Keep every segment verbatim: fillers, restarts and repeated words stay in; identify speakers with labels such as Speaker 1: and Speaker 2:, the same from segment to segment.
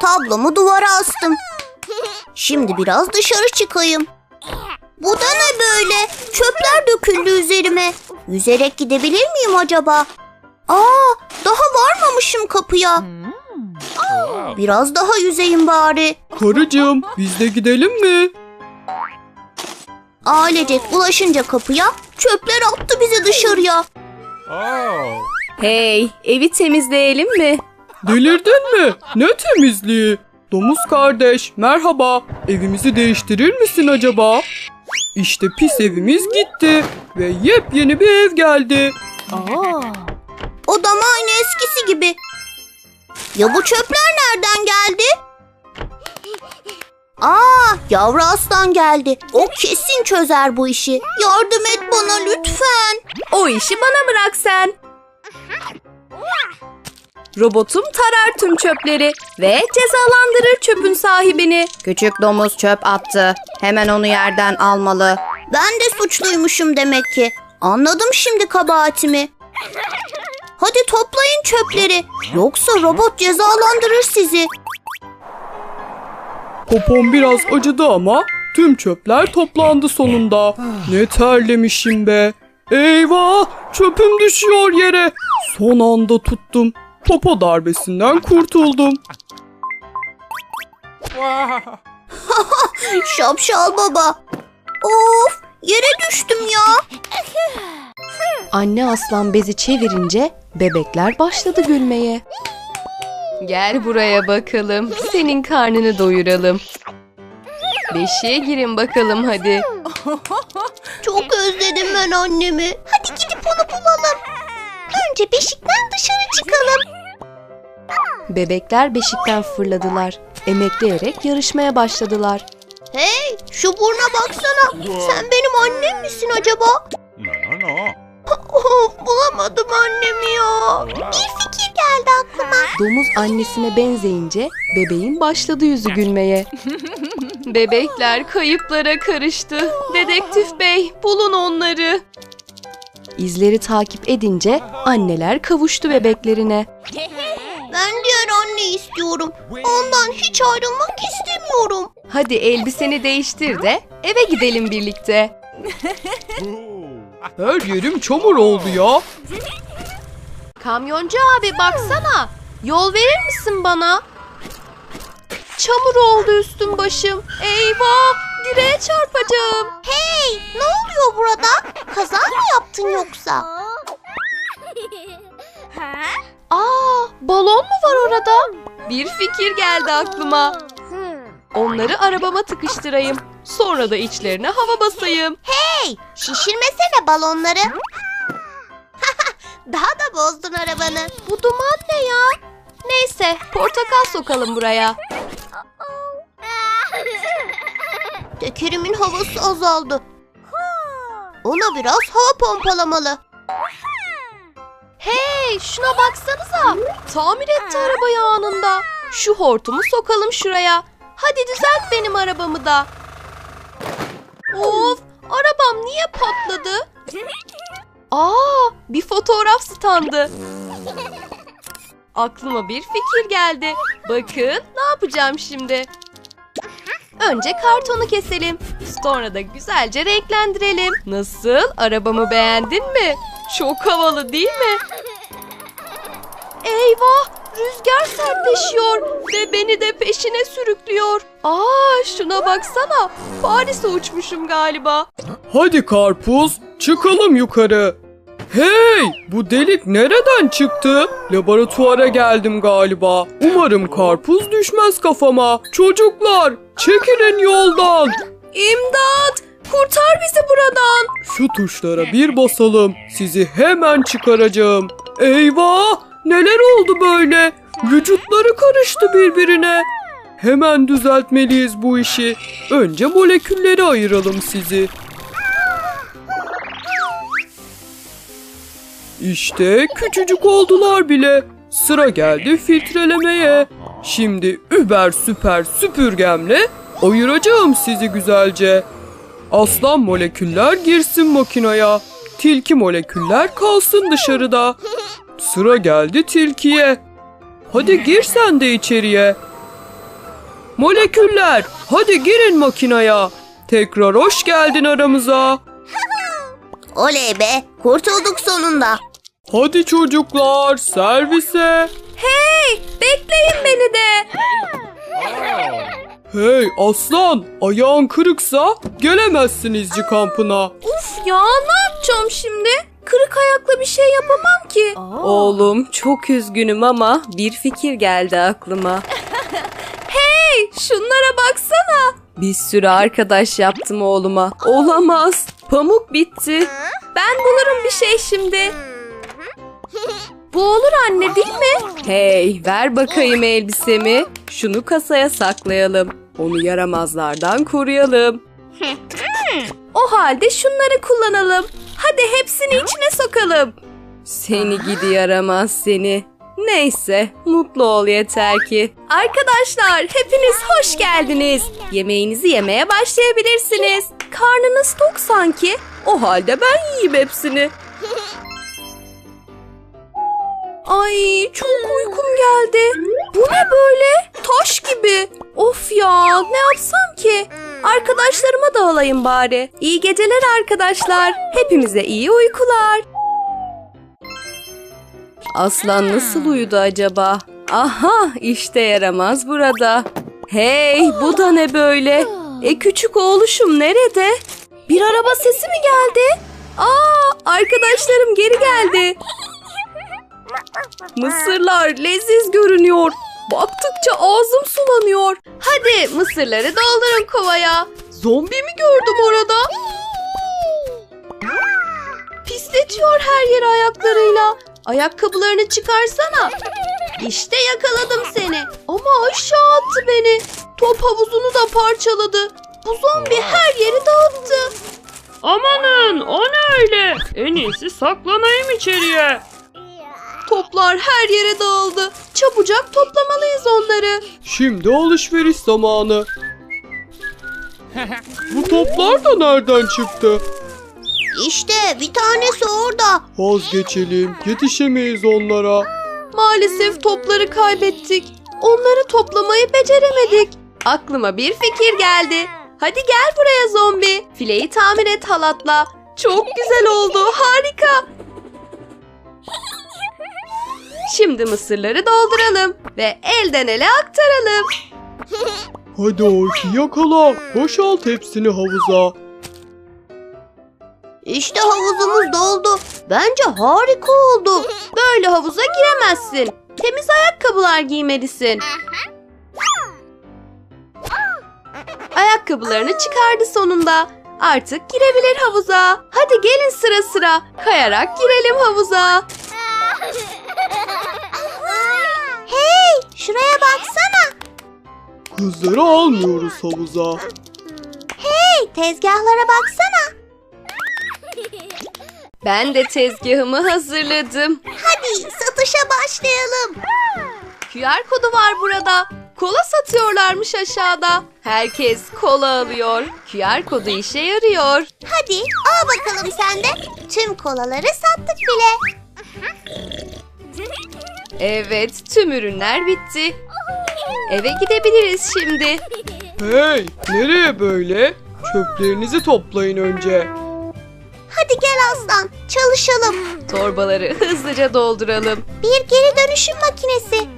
Speaker 1: Kablomu duvara astım. Şimdi biraz dışarı çıkayım. Bu da ne böyle? Çöpler döküldü üzerime. Yüzerek gidebilir miyim acaba? Aa, daha varmamışım kapıya. Biraz daha yüzeyim bari.
Speaker 2: Karıcığım, biz de gidelim mi?
Speaker 1: Ailecek ulaşınca kapıya, çöpler attı bizi dışarıya.
Speaker 3: Hey, evi temizleyelim mi?
Speaker 2: Delirdin mi? Ne temizliği? Domuz kardeş, merhaba. Evimizi değiştirir misin acaba? İşte pis evimiz gitti ve yepyeni bir ev geldi.
Speaker 1: Odam aynı eskisi gibi. Ya bu çöpler nereden geldi? Aa, yavru aslan geldi. O kesin çözer bu işi. Yardım et bana lütfen.
Speaker 3: O işi bana bırak sen. Robotum tarar tüm çöpleri ve cezalandırır çöpün sahibini. Küçük domuz çöp attı. Hemen onu yerden almalı.
Speaker 1: Ben de suçluymuşum demek ki. Anladım şimdi kabahatimi. Hadi toplayın çöpleri. Yoksa robot cezalandırır sizi.
Speaker 2: Popom biraz acıdı ama tüm çöpler toplandı sonunda. Ne terlemişim be. Eyvah, çöpüm düşüyor yere. Son anda tuttum. Popo darbesinden kurtuldum.
Speaker 1: Şapşal baba. Of, yere düştüm ya.
Speaker 3: Anne aslan bezi çevirince bebekler başladı gülmeye. Gel buraya bakalım. Senin karnını doyuralım. Beşiğe girin bakalım hadi.
Speaker 1: Çok özledim ben annemi. Hadi gidip onu bulalım. Önce beşikten dışarı çıkalım.
Speaker 3: Bebekler beşikten fırladılar. Emekleyerek yarışmaya başladılar.
Speaker 1: Hey, şu burna baksana. Sen benim annem misin acaba?
Speaker 4: No, no, no.
Speaker 1: Of, bulamadım annemi ya. Bir fikir geldi aklıma.
Speaker 3: Domuz annesine benzeyince bebeğin başladı yüzü gülmeye. Bebekler kayıplara karıştı. Dedektif bey, bulun onları. İzleri takip edince anneler kavuştu bebeklerine.
Speaker 1: Ben diğer anneyi istiyorum. Ondan hiç ayrılmak istemiyorum.
Speaker 3: Hadi elbiseni değiştir de eve gidelim birlikte.
Speaker 2: Her yerim çamur oldu ya.
Speaker 3: Kamyoncu abi baksana. Yol verir misin bana? Çamur oldu üstüm başım. Eyvah! Direğe çarpacağım.
Speaker 1: Hey, ne oluyor burada? Kaza mı yaptın yoksa?
Speaker 3: Aa, balon mu var orada? Bir fikir geldi aklıma. Onları arabama tıkıştırayım. Sonra da içlerine hava basayım.
Speaker 1: Hey, şişirmesene balonları. Daha da bozdun arabanı.
Speaker 3: Bu duman ne ya? Neyse, portakal sokalım buraya.
Speaker 1: Tekerimin havası azaldı. Ona biraz hava pompalamalı.
Speaker 3: Hey, şuna baksanıza. Tamir etti arabayı anında. Şu hortumu sokalım şuraya. Hadi düzelt benim arabamı da. Of, arabam niye patladı? Aa, bir fotoğraf standı. Aklıma bir fikir geldi. Bakın ne yapacağım şimdi. Önce kartonu keselim. Sonra da güzelce renklendirelim. Nasıl? Arabamı beğendin mi? Çok havalı değil mi? Eyvah! Rüzgar sertleşiyor ve beni de peşine sürüklüyor. Aa, şuna baksana. Paris'e uçmuşum galiba.
Speaker 2: Hadi karpuz, çıkalım yukarı. Hey, bu delik nereden çıktı? Laboratuvara geldim galiba. Umarım karpuz düşmez kafama. Çocuklar, çekilin yoldan.
Speaker 3: İmdat! Kurtar bizi buradan.
Speaker 2: Şu tuşlara bir basalım. Sizi hemen çıkaracağım. Eyvah! Neler oldu böyle? Vücutları karıştı birbirine. Hemen düzeltmeliyiz bu işi. Önce molekülleri ayıralım sizi. İşte küçücük oldular bile. Sıra geldi filtrelemeye. Şimdi über süper süpürgemle ayıracağım sizi güzelce. Aslan moleküller girsin makinaya. Tilki moleküller kalsın dışarıda. Sıra geldi tilkiye. Hadi gir sen de içeriye. moleküller, hadi girin makinaya. Tekrar hoş geldin aramıza.
Speaker 1: Oley be, kurtulduk sonunda.
Speaker 2: Hadi çocuklar, servise.
Speaker 3: Hey, bekleyin beni de.
Speaker 2: Hey aslan, ayağın kırıksa gelemezsin izci kampına.
Speaker 3: Uf ya, ne yapacağım şimdi? Kırık ayakla bir şey yapamam ki.
Speaker 4: Oğlum çok üzgünüm ama bir fikir geldi aklıma.
Speaker 3: Hey, şunlara baksana.
Speaker 4: Bir sürü arkadaş yaptım oğluma. Olamaz. Pamuk bitti.
Speaker 3: Ben bulurum bir şey şimdi. Bu olur anne, değil mi?
Speaker 4: Hey, ver bakayım elbisemi. Şunu kasaya saklayalım. Onu yaramazlardan koruyalım.
Speaker 3: O halde şunları kullanalım. Hadi hepsini içine sokalım.
Speaker 4: Seni gidi yaramaz seni. Neyse, mutlu ol yeter ki.
Speaker 3: Arkadaşlar, hepiniz hoş geldiniz.
Speaker 4: Yemeğinizi yemeye başlayabilirsiniz.
Speaker 3: Karnınız tok sanki.
Speaker 4: O halde ben yiyeyim hepsini.
Speaker 3: Ay, çok uykum geldi. Bu ne böyle? Taş gibi. Of ya, ne yapsam ki? Arkadaşlarıma da alayım bari. İyi geceler arkadaşlar. Hepimize iyi uykular.
Speaker 4: Aslan nasıl uyudu acaba? Aha, işte yaramaz burada. Hey, bu da ne böyle? E küçük oğluşum nerede?
Speaker 3: Bir araba sesi mi geldi? Aa, arkadaşlarım geri geldi.
Speaker 4: Mısırlar leziz görünüyor. Baktıkça ağzım sulanıyor.
Speaker 3: Hadi mısırları doldurun kovaya. Zombi mi gördüm orada? Pisletiyor her yeri ayaklarıyla. Ayakkabılarını çıkarsana. İşte yakaladım seni. Ama aşağı attı beni. Top havuzunu da parçaladı. Bu zombi her yeri dağıttı.
Speaker 2: Amanın, o ne öyle? En iyisi saklanayım içeriye.
Speaker 3: Toplar her yere dağıldı. Çabucak toplamalıyız onları.
Speaker 2: Şimdi alışveriş zamanı. Bu toplar da nereden çıktı?
Speaker 1: İşte bir tanesi orada.
Speaker 2: Vazgeçelim, yetişemeyiz onlara.
Speaker 3: Maalesef topları kaybettik. Onları toplamayı beceremedik. Aklıma bir fikir geldi. Hadi gel buraya zombi. Fileyi tamir et halatla. Çok güzel oldu. Harika. Şimdi mısırları dolduralım ve elden ele aktaralım.
Speaker 2: Hadi Orki yakala, boşalt hepsini havuza.
Speaker 1: İşte havuzumuz doldu. Bence harika oldu.
Speaker 3: Böyle havuza giremezsin. Temiz ayakkabılar giymelisin. Ayakkabılarını çıkardı sonunda. Artık girebilir havuza. Hadi gelin sıra sıra. Kayarak girelim havuza.
Speaker 1: Hey, şuraya baksana.
Speaker 2: Kızları almıyoruz havuza.
Speaker 1: Hey, tezgahlara baksana.
Speaker 3: Ben de tezgahımı hazırladım.
Speaker 1: Hadi satışa başlayalım.
Speaker 3: Q R kodu var burada. Kola satıyorlarmış aşağıda. Herkes kola alıyor. Q R kodu işe yarıyor.
Speaker 1: Hadi al bakalım sen de. Tüm kolaları sattık bile.
Speaker 3: Evet, tüm ürünler bitti. Eve gidebiliriz şimdi.
Speaker 2: Hey, nereye böyle? Çöplerinizi toplayın önce.
Speaker 1: Hadi gel aslan, çalışalım.
Speaker 3: Torbaları hızlıca dolduralım.
Speaker 1: Bir geri dönüşüm makinesi.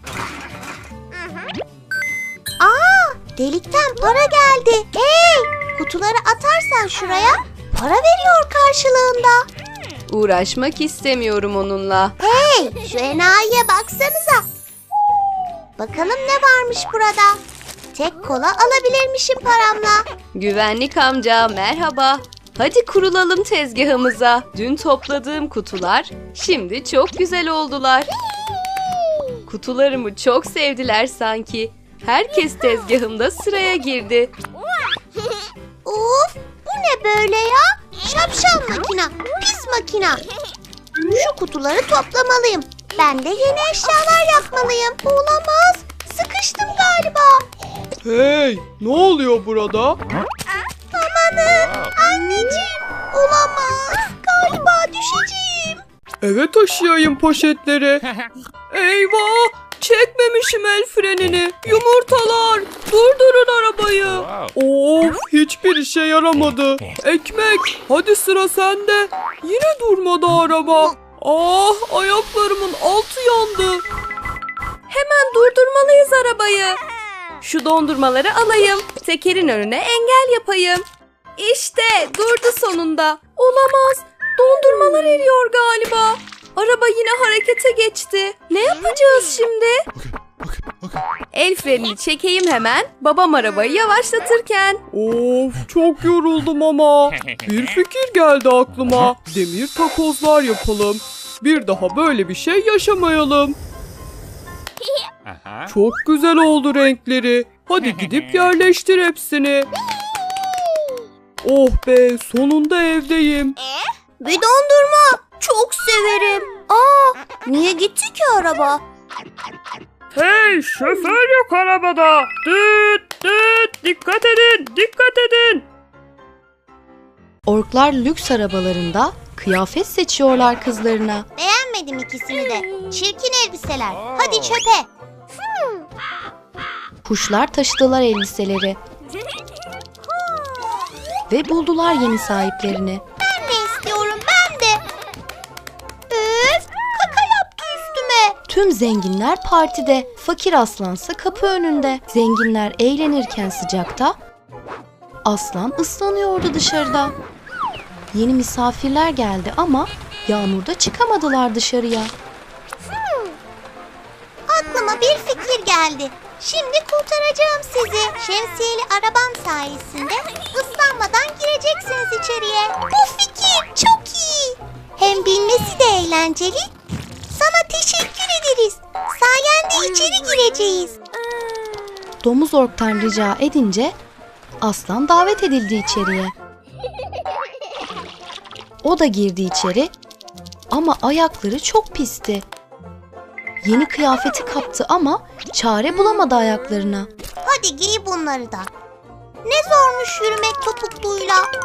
Speaker 1: Aa, delikten para geldi. Hey, kutuları atarsan şuraya para veriyor karşılığında.
Speaker 3: Uğraşmak istemiyorum onunla.
Speaker 1: Hey, şu enayiye baksanıza. Bakalım ne varmış burada. Tek kola alabilirmişim paramla.
Speaker 3: Güvenlik amca merhaba. Hadi kurulalım tezgahımıza. Dün topladığım kutular şimdi çok güzel oldular. Kutularımı çok sevdiler sanki. Herkes tezgahımda sıraya girdi.
Speaker 1: Of, bu ne böyle ya? Şapşal makina, pis makina. Şu kutuları toplamalıyım. Ben de yeni eşyalar yapmalıyım. Olamaz, sıkıştım galiba.
Speaker 2: Hey, ne oluyor burada?
Speaker 1: Amanın, anneciğim. Olamaz, galiba düşeceğim.
Speaker 2: Eve taşıyayım poşetleri. Eyvah, çekmemişim el frenini. Yumurtalar, Durdurun arabayı. Of, hiçbir işe yaramadı. Ekmek, hadi sıra sende. Yine durmadı araba. Ah, ayaklarımın altı yandı.
Speaker 4: Hemen durdurmalıyız arabayı. Şu dondurmaları alayım. Tekerin önüne engel yapayım. İşte durdu sonunda. Olamaz. Dondurmalar eriyor galiba. Araba yine harekete geçti. Ne yapacağız şimdi? El frenini çekeyim hemen. Babam arabayı yavaşlatırken.
Speaker 2: Of, çok yoruldum ama. Bir fikir geldi aklıma. Demir takozlar yapalım. Bir daha böyle bir şey yaşamayalım. Çok güzel oldu renkleri. Hadi gidip yerleştir hepsini. Oh be, sonunda evdeyim.
Speaker 1: Bir dondurma. Çok severim. Aa, niye gitti ki araba?
Speaker 2: Hey, şoför yok arabada. Düt düt, dikkat edin, dikkat edin.
Speaker 3: Orklar lüks arabalarında kıyafet seçiyorlar kızlarına.
Speaker 1: Beğenmedim ikisini de. Çirkin elbiseler. Hadi çöpe.
Speaker 3: Kuşlar taşıdılar elbiseleri. Ve buldular yeni sahiplerini.
Speaker 1: Ben de istiyorum, ben de. Üf, kaka yaptı üstüme.
Speaker 3: Tüm zenginler partide, fakir aslansa kapı önünde. Zenginler eğlenirken sıcakta, aslan ıslanıyordu dışarıda. Yeni misafirler geldi ama yağmurda çıkamadılar dışarıya.
Speaker 1: Aklıma bir fikir geldi. Şimdi kurtaracağım sizi. Şemsiyeli arabam sayesinde ıslanmadan gireceksiniz içeriye. Bu fikir çok iyi. Hem bilmesi de eğlenceli. Sana teşekkür ederiz. Sayende içeri gireceğiz.
Speaker 3: Domuz orktan rica edince aslan davet edildi içeriye. O da girdi içeri ama ayakları çok pisti. Yeni kıyafeti kaptı ama çare bulamadı ayaklarına.
Speaker 1: Hadi giy bunları da. Ne zormuş yürümek topukluyla.